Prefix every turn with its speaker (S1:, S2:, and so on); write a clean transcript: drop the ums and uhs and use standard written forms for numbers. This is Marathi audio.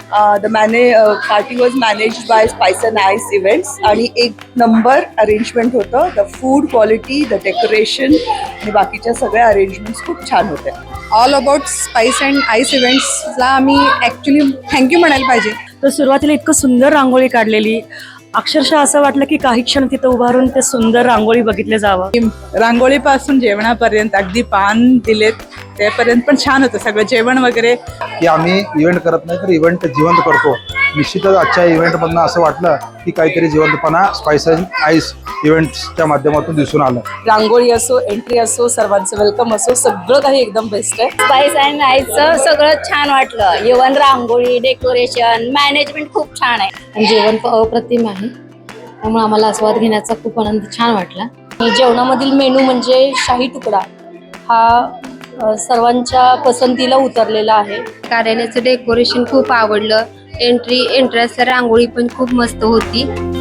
S1: The party was managed by Spice and Ice events आणि एक नंबर अरेंजमेंट होतं. The food quality, the decoration आणि बाकीच्या सगळ्या अरेंजमेंट्स खूप छान होत्या.
S2: All about Spice and Ice इव्हेंट्सला आम्ही ॲक्च्युली थँक्यू म्हणायला पाहिजे.
S3: तर सुरुवातीला इतकं सुंदर रांगोळी काढलेली, अक्षरशः असं वाटलं की काही क्षण तिथं उभारून ते सुंदर रांगोळी बघितले जावं.
S2: रांगोळीपासून जेवणापर्यंत अगदी पान दिलेत त्यापर्यंत पण छान होतं सगळं जेवण वगैरे.
S4: की आम्ही इव्हेंट करत नाही तर इव्हेंट जिवंत करतो. निश्चितच आजच्या इव्हेंटमधनं असं वाटलं की काहीतरी जिवंतपणा स्पाइस अँड आईस इव्हेंट्सच्या माध्यमातून दिसून आलं.
S1: रांगोळी असो, एंट्री असो, सर्वांचं वेलकम असो, सगळं काही एकदम बेस्ट आहे.
S5: स्पाइस अँड आईसचं सगळं छान वाटलं. इव्हन रांगोळी, डेकोरेशन, मॅनेजमेंट खूप छान आहे.
S6: जेवण अप्रतिम आहे, त्यामुळे आम्हाला आस्वाद घेण्याचा खूप आनंद छान वाटला.
S5: जेवणामधील मेनू म्हणजे शाही तुकडा हा सर्वांच्या पसंतीला उतरलेला आहे.
S6: कार्यालयाचं डेकोरेशन खूप आवडलं. एंट्रन्सला रांगोळी पण खूप मस्त होती.